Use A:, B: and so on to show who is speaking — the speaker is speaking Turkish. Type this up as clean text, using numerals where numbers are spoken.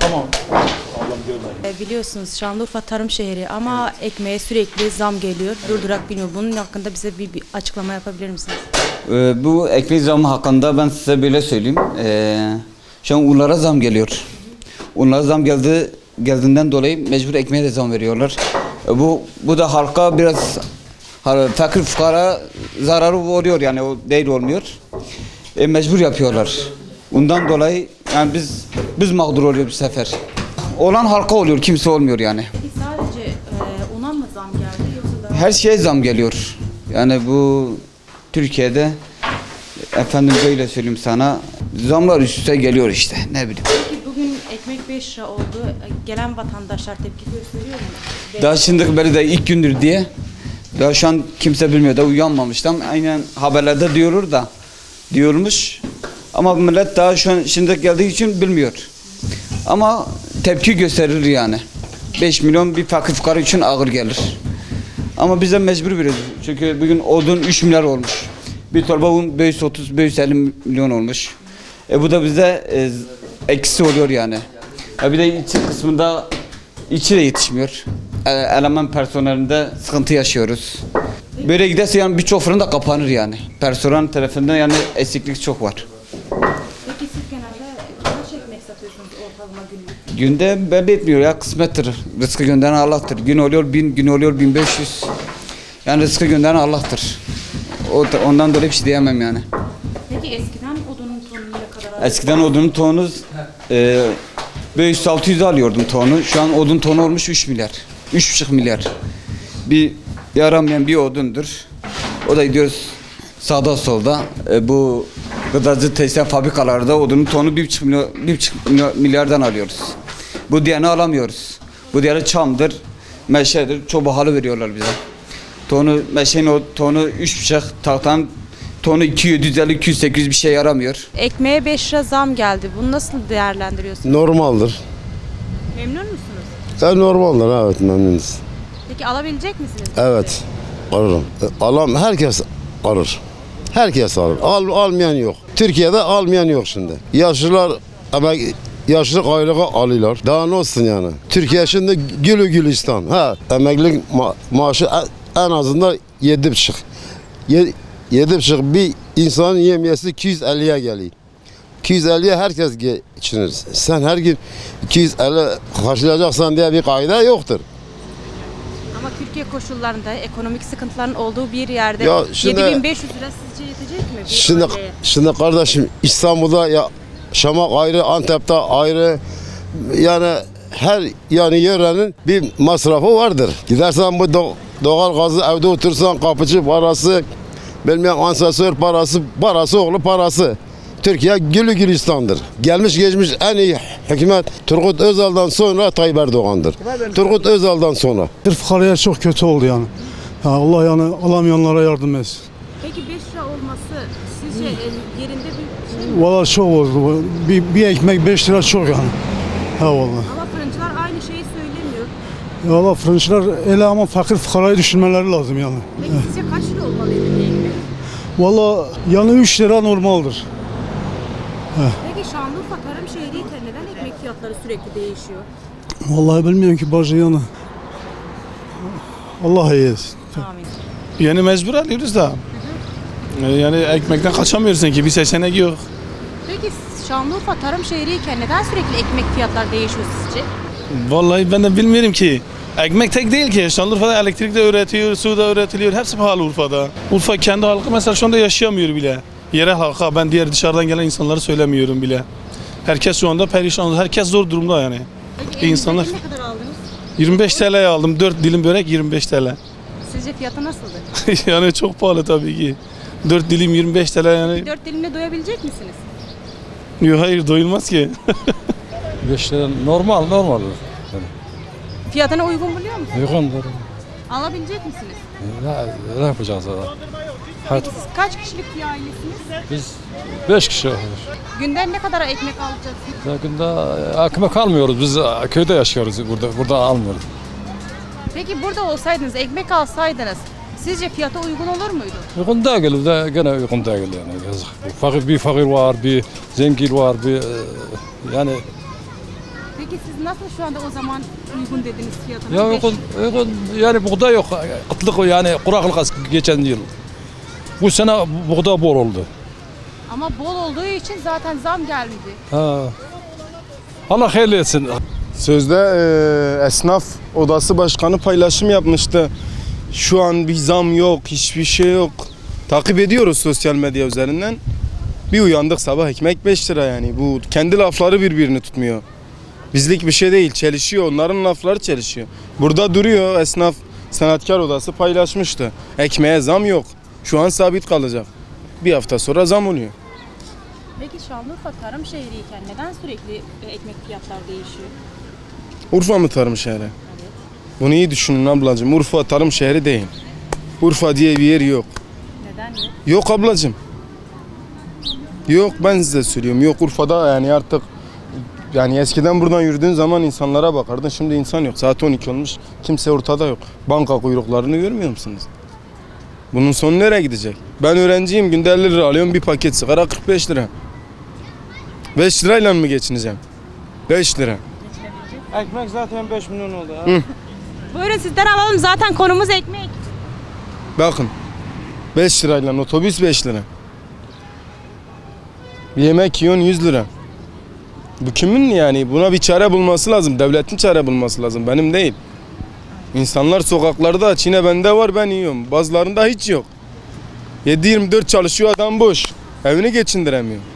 A: Tamam. Allah'ım görmeyin.
B: Biliyorsunuz Şanlıurfa tarım şehri ama ekmeğe sürekli zam geliyor. Durdurak biniyor. Bunun hakkında bize bir açıklama yapabilir misiniz?
C: Bu ekmek zamı hakkında ben size böyle söyleyeyim. Şu an unlara zam geliyor. Unlara zam geldiğinden dolayı mecbur ekmeğe de zam veriyorlar. Bu da halka biraz fakir fukara zararı oluyor, yani o değil olmuyor. Mecbur yapıyorlar. Ondan dolayı yani biz mağdur oluyoruz bu sefer. Olan halka oluyor, kimse olmuyor yani.
B: Peki sadece una mı zam geldi yoksa da...
C: Her şeye zam geliyor. Yani bu Türkiye'de efendim böyle söyleyeyim sana, zamlar üst üste geliyor işte, ne bileyim.
B: Peki bugün ekmek 5 lira oldu. Gelen vatandaşlar tepki gösteriyor mu?
C: Daha şimdi böyle de ilk gündür diye. Daha şu an kimse bilmiyor da uyanmamıştım. Aynen haberlerde diyormuş. Ama millet daha şu an şimdi geldiği için bilmiyor. Ama tepki gösterir yani. 5 milyon bir fakir fukara için ağır gelir. Ama bize mecbur veriyoruz. Çünkü bugün odun 3 milyar olmuş. Bir torba un 530-550 milyon olmuş. Bu da bize eksi oluyor yani. Bir de içi kısmında içi de yetişmiyor. Eleman personelinde sıkıntı yaşıyoruz. Böyle giderse yani birçok fırın da kapanır yani. Personel tarafından yani eksiklik çok var.
B: Peki siz genelde kaç ekmek satıyorsunuz ortalama günlük?
C: Günde belli etmiyor ya, kısmettir. Rızkı gönderen Allah'tır. Gün oluyor 1000, gün oluyor 1500. Yani rızkı gönderen Allah'tır. Ondan dolayı bir şey diyemem yani.
B: Peki eskiden odunun tonu ne kadar alıyordu?
C: Eskiden odunun tonu 500-600 alıyordum tonu. Şu an odun tonu olmuş 3 milyar. 3,5 milyar. Bir yaramayan bir odundur. O da gidiyoruz sağda solda. Bu gıdacı tekstil fabrikalarda odunun tonu 1,5 milyardan alıyoruz. Bu diğerini alamıyoruz. Bu diğeri çamdır, meşedir. Çok pahalı veriyorlar bize. Meşenin o tonu 3,5, tahtanın tonu 250-200-800 bir şey yaramıyor.
B: Ekmeğe 5 lira zam geldi. Bunu nasıl değerlendiriyorsunuz?
D: Normaldir.
B: Memnun musunuz?
D: Normaldir, evet, memnunuz.
B: Peki alabilecek misiniz?
D: Evet, alırım. Herkes alır. Herkes alır. Almayan yok. Türkiye'de almayan yok şimdi. Yaşlılar yaşlılık aylığı alıyorlar. Daha ne olsun yani? Türkiye şimdi gülü gülistan. Emeklilik maaşı en azından 7,5. 7,5 bir insanın yemiyesi 250'ye geliyor. 250'ye herkes geçinir. Sen her gün 250 karşılayacaksan diye bir kaide yoktur.
B: Ama Türkiye koşullarında ekonomik sıkıntıların olduğu bir yerde
D: Ya şimdi-
B: 7500 lira sizce yetecek mi? Bir aileye?
D: Şimdi kardeşim, İstanbul'da yaşamak ayrı, Antep'te ayrı. Yani her yörenin bir masrafı vardır. Gidersen bu doğal gazı, evde otursan kapıcı parası, bilmem asansör parası oğlu parası. Türkiye gülü gülistandır. Gelmiş geçmiş en iyi hükümet Turgut Özal'dan sonra Tayyip Erdoğan'dır. Turgut Özal'dan sonra.
E: Fukaraya çok kötü oldu yani. Allah yani alamayanlara yardım etsin.
B: Peki 5 lira olması sizce yerinde bir şey mi?
E: Valla çok oldu. Bir ekmek 5 lira çok yani. Ha valla.
B: Ama fırıncılar aynı şeyi söylemiyor.
E: Valla fırıncılar öyle ama fakir fukarayı düşünmeleri lazım yani.
B: Peki sizce kaç lira olmalıydı bir ekmek?
E: Valla yani 3 lira normaldir.
B: Peki Şanlıurfa tarım şehriyken neden ekmek fiyatları sürekli değişiyor?
E: Vallahi bilmiyorum ki bacı yani. Allah iyi etsin.
B: Amin.
A: Yani mecbur alıyoruz da. Yani ekmekten kaçamıyorsun ki, bir seçenek yok.
B: Peki Şanlıurfa tarım şehriyken neden sürekli ekmek fiyatları değişiyor sizce?
A: Vallahi ben de bilmiyorum ki. Ekmek tek değil ki. Şanlıurfa'da elektrik de üretiyor, su da üretiliyor. Hepsi pahalı Urfa'da. Urfa kendi halkı mesela şu anda yaşayamıyor bile. Yerel halka, ben diğer dışarıdan gelen insanları söylemiyorum bile. Herkes şu anda perişan, herkes zor durumda yani.
B: Peki
A: İnsanlar-
B: ne kadar aldınız?
A: 25 TL'ye aldım, 4 dilim börek 25 TL.
B: Sizce fiyatı nasıldı?
A: Yani çok pahalı tabii ki. 4 dilim 25 TL yani.
B: 4 dilimle doyabilecek misiniz?
A: Yok, hayır, doyulmaz ki.
F: 5 lira normal.
B: Fiyatına uygun buluyor musunuz?
F: Uygundur.
B: Alabilecek misiniz?
F: Ne yapacağız daha?
B: Peki siz kaç kişilik bir ailesiniz?
F: Biz 5 kişi olur.
B: Günden ne kadar ekmek alacaksınız?
F: Yakında ekmek almıyoruz. Biz köyde yaşıyoruz. Burada almıyoruz.
B: Peki burada olsaydınız, ekmek alsaydınız sizce fiyata uygun olur muydu?
F: Uygun değil. Gene uygun değil yani. Yazık. Bir fakir var, bir zengin var, yani
G: Peki siz nasıl şu anda o zaman uygun dediniz fiyatını?
F: Ya uygun, yani buğday yok. Kıtlık yani kuraklık geçen yıl. Bu sene buğday bol oldu.
G: Ama bol olduğu için zaten zam gelmedi.
F: Ha. Allah hayırlı etsin.
H: Sözde esnaf odası başkanı paylaşım yapmıştı. Şu an bir zam yok, hiçbir şey yok. Takip ediyoruz sosyal medya üzerinden. Bir uyandık sabah ekmek 5 lira yani. Bu kendi lafları birbirini tutmuyor. Bizlik bir şey değil, çelişiyor. Onların lafları çelişiyor. Burada duruyor esnaf sanatkar odası paylaşmıştı. Ekmeğe zam yok. Şu an sabit kalacak. Bir hafta sonra zam oluyor.
G: Peki Şanlıurfa tarım şehriyken neden sürekli ekmek fiyatları değişiyor?
H: Urfa mı tarım şehri? Bunu iyi düşünün ablacığım. Urfa tarım şehri değil. Urfa diye bir yer yok.
G: Neden yok?
H: Yok ablacığım. Yok, ben size söylüyorum. Yok, Urfa'da yani artık yani eskiden buradan yürüdüğün zaman insanlara bakardın. Şimdi insan yok. Saat 12 olmuş. Kimse ortada yok. Banka kuyruklarını görmüyor musunuz? Bunun sonu nereye gidecek? Ben öğrenciyim. Günde 50 lira alıyorum. Bir paket sigara 45 lira. 5 lirayla mı geçineceğim? 5 lira.
I: Ekmek zaten 5 milyon oldu.
G: Buyurun sizden alalım, zaten konumuz ekmek.
H: Bakın. 5 lirayla otobüs 5 lira. Bir yemek yiyorsun 100 lira. Bu kimin yani? Buna bir çare bulması lazım. Devletin çare bulması lazım. Benim değil. İnsanlar sokaklarda aç. Yine bende var, ben yiyorum. Bazılarında hiç yok. 7-24 çalışıyor adam boş. Evini geçindiremiyor.